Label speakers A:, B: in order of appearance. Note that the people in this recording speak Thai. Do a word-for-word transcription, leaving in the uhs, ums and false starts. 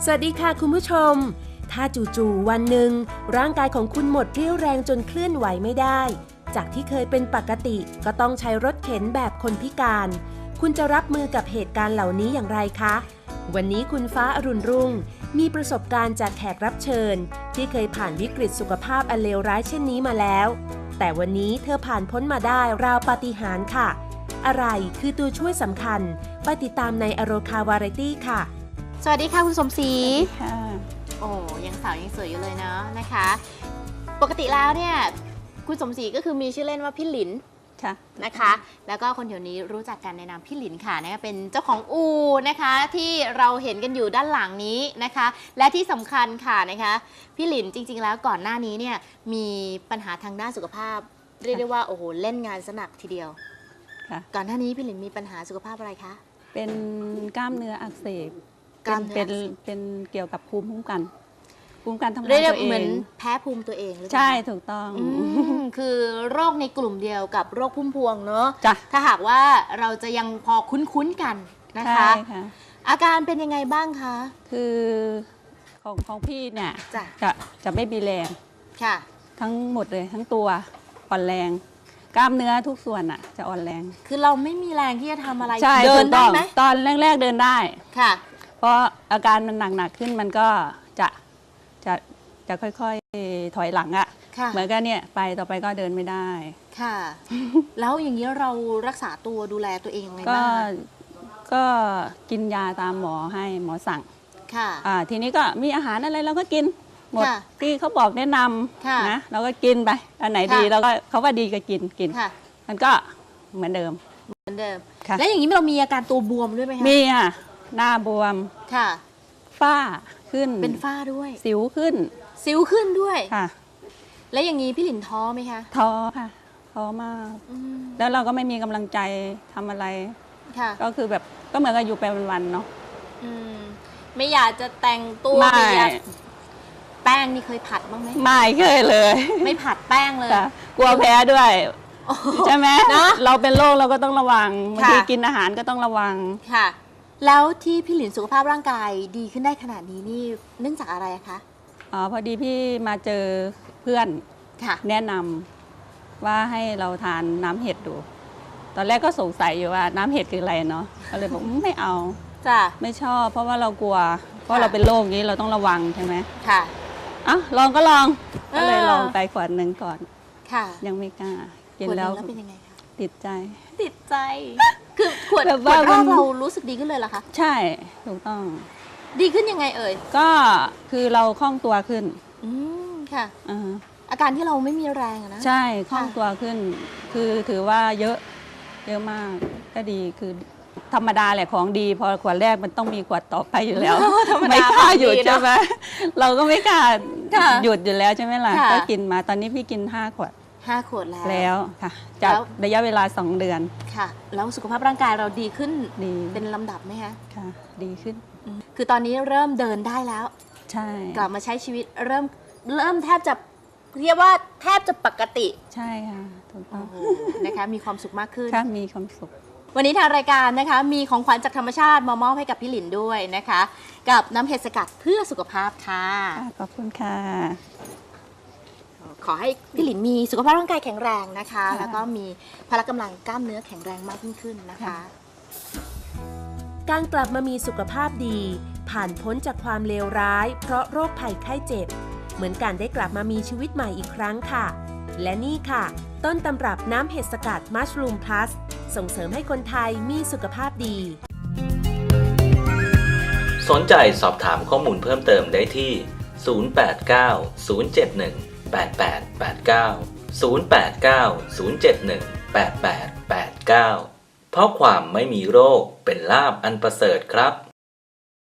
A: สวัสดีค่ะคุณผู้ชมถ้าจู่ๆวันหนึ่งร่างกายของคุณหมดเรี่ยวแรงจนเคลื่อนไหวไม่ได้จากที่เคยเป็นปกติก็ต้องใช้รถเข็นแบบคนพิการคุณจะรับมือกับเหตุการณ์เหล่านี้อย่างไรคะวันนี้คุณฟ้าอรุณรุ่งมีประสบการณ์จากแขกรับเชิญที่เคยผ่านวิกฤตสุขภาพอันเลวร้ายเช่นนี้มาแล้วแต่วันนี้เธอผ่านพ้นมาได้ราวปาฏิหาริย์ค่ะอะไรคือตัวช่วยสำคัญไปติดตามในอโรคาวาไรตี้ค่ะ
B: สวัสดีค่ะคุณสมศรี
C: ค่ะ
B: โอ้ยังสาวยังสวยอยู่เลยเนาะนะคะ ปกติแล้วเนี่ยคุณสมศรีก็คือมีชื่อเล่นว่าพี่หลิน
C: ค่ะ
B: นะคะ แล้วก็คนแถวนี้รู้จักกันในนามพี่หลินค่ะนะคะเป็นเจ้าของอู่นะคะที่เราเห็นกันอยู่ด้านหลังนี้นะคะ และที่สำคัญค่ะนะคะพี่หลินจริงๆแล้วก่อนหน้านี้เนี่ยมีปัญหาทางด้านสุขภาพเรียกได้ว่าโอ้โหเล่นงานสนักทีเดียว
C: ค่ะ
B: ก่อนหน้านี้พี่หลินมีปัญหาสุขภาพอะไรคะ
C: เป็นกล้ามเนื้ออักเสบ
B: กล้ามเนื้อ
C: เป็นเป็นเกี่ยวกับภูมิคุ้มกันภูมิคุ้มกันทำงาน
B: เรียก
C: ตัวเอง
B: เหมือนแพ้ภูมิตัวเองหรือเปล่า
C: ใช่ถูกต้อง
B: คือโรคในกลุ่มเดียวกับโรคพุ่มพวงเนอะ
C: จ้ะ
B: ถ้าหากว่าเราจะยังพอคุ้นๆกันนะคะ
C: ใช่ค่ะ
B: อาการเป็นยังไงบ้างคะ
C: คือของของพี่เนี่ย
B: จะ
C: จะจะไม่มีแรง
B: ค่ะ
C: ทั้งหมดเลยทั้งตัวอ่อนแรงกล้ามเนื้อทุกส่วนอ่ะจะอ่อนแรง
B: คือเราไม่มีแรงที่จะทำอะไร
C: ใช่
B: เดินได้ไหม
C: ตอนแรกๆเดินได้
B: ค่ะ
C: เพราะอาการมันหนักๆขึ้นมันก็จะจะจะค่อยๆถอยหลังอะ่ะเหมือนกันเนี่ยไปต่อไปก็เดินไม่ได้
B: ค่ะ แล้วอย่างนี้เรารักษาตัวดูแลตัวเองยังไง
C: ก็
B: บ้าง
C: ก็กินยาตามหมอให้หมอสั่ง
B: ค่ะ
C: อ่าทีนี้ก็มีอาหารอะไรเราก็กินหมด
B: ค่ะ
C: ที่เขาบอกแนะน
B: ค่ะ
C: ำนะเราก็กินไปอันไหนดี
B: ค่ะ
C: เราก็เขาว่าดีก็กินกิน
B: ค่ะ
C: มันก็เหมือนเดิม
B: เหมือนเดิม
C: ค่ะ
B: แล้วอย่างนี้เรามีอาการตัวบวมด้วยไหมคะ
C: มีอ่ะหน้าบวม
B: ค่ะ
C: ฝ้าขึ้น
B: เป็นฝ้าด้วย
C: สิวขึ้น
B: สิวขึ้นด้วย
C: ค่ะ
B: แล้วอย่างนี้พี่หลินท้อไหมคะ
C: ท้อค่ะท้อมาก
B: อืม
C: แล้วเราก็ไม่มีกำลังใจทำอะไร
B: ค่ะ
C: ก็คือแบบก็เหมือนกับอยู่ไปวันๆเนาะ
B: อืมไม่อยากจะแต่งตัว
C: ไม่
B: ไม่อยากแป้งนี่เคยผัดบ้างไหม
C: ไม่เคยเลย
B: ไม่ผัดแป้งเลย
C: ค่ะกลัวแพ้ด้วยใช่ไหม
B: นะ
C: เราเป็นโรคเราก็ต้องระวังบางที
B: ค่ะ
C: กินอาหารก็ต้องระวัง
B: ค่ะ แล้วที่พี่หลินสุขภาพร่างกายดีขึ้นได้ขนาดนี้นี่เนื่องจากอะไรคะ
C: อ๋อพอดีพี่มาเจอเพื่อน
B: ค่ะ
C: แนะนำว่าให้เราทานน้ำเห็ดดู ตอนแรกก็สงสัยอยู่ว่าน้ำเห็ดคืออะไรเนาะก็เลยบอกอืมไม่เอา
B: จ้ะ
C: ไม่ชอบ เพราะว่าเรากลัว เพราะเราเป็นโรคนี้เราต้องระวังใช่ไหม
B: ค่ะ
C: อ่ะลองก็ลอง
B: เออ
C: ก็เลยลองไปขวดหนึ่งก่อน
B: ค่ะ
C: ยังไม่กล้ากิน
B: ขวดห
C: แล้ว
B: งแล้วเป็นยังไงคะ
C: ติดใจ
B: ติดใจ คือขวด
C: แบบ
B: ขว
C: ว่า
B: ดแร
C: มั
B: ก
C: น
B: เรารู้สึกดีขึ้นเลยเหรอคะ
C: ใช่ถูกต้อง
B: ดีขึ้นยังไงเอ่ย
C: ก็คือเราคล่องตัวขึ้น
B: อืมค่ะ
C: อ่าฮะ
B: อาการที่เราไม่มีแรงอะนะ
C: ใช่คล่องตัวขึ้น คือถือว่าเยอะเยอะมากก็ดีคือธรรมดาแหละของดีพอขวดแรกมันต้องมีขวดต่อไปอยู่แล้ว
B: ธรรมดา
C: ไม่กล้าหยุด
B: ของดีเนอะ
C: ใช่ไหมเราก็ไม่กล้า
B: ค่ะ
C: หยุดอยู่แล้วใช่ไหมล่ะ
B: ค่ะ
C: ก็กินมาตอนนี้พี่กินห้าขวด
B: ห้าขวดแล้ว
C: แล้วค่ะจาก
B: แล้ว
C: ระยะเวลาสองเดือน
B: ค่ะ แล้วสุขภาพร่างกายเราดีขึ้น
C: ดี
B: เป็นลำดับไหมคะ
C: ค่ะดีขึ้น
B: อืมคือตอนนี้เริ่มเดินได้แล้ว
C: ใช่
B: กลับมาใช้ชีวิตเริ่มเริ่มแทบจะเรียกว่าแทบจะปกติ
C: ใช่ค่ะถูกต้อง
B: โอ้โหนะคะมีความสุขมากขึ้น
C: ค่ะมีความสุข
B: วันนี้ทางรายการนะคะมีของขวัญจากธรรมชาติมามอบให้กับพี่หลินด้วยนะคะ กับน้ำเห็ดสกัดเพื่อสุขภาพค่ะ
C: ขอบคุณค่ะ
B: ขอให้พี่หลินมีสุขภาพร่างกายแข็งแรงนะคะ
C: ค่ะ
B: แล้วก็มีพละกำลังกล้ามเนื้อแข็งแรงมากยิ่งขึ้นนะคะ
C: ค่ะ
A: การกลับมามีสุขภาพดี ผ่านพ้นจากความเลวร้าย เพราะโรคภัยไข้เจ็บ เหมือนการได้กลับมามีชีวิตใหม่อีกครั้งค่ะ และนี่ค่ะ ต้นตำรับน้ำเห็ดสกัดมัชรูมพลัสส่งเสริมให้คนไทยมีสุขภาพดี
D: สนใจสอบถามข้อมูลเพิ่มเติมได้ที่ ศูนย์ แปด เก้า ศูนย์ เจ็ด หนึ่ง แปด แปด แปด เก้า ศูนย์ แปด เก้า ศูนย์ เจ็ด หนึ่ง แปด แปด แปด เก้า เพราะความไม่มีโรคเป็นลาภอันประเสริฐครับ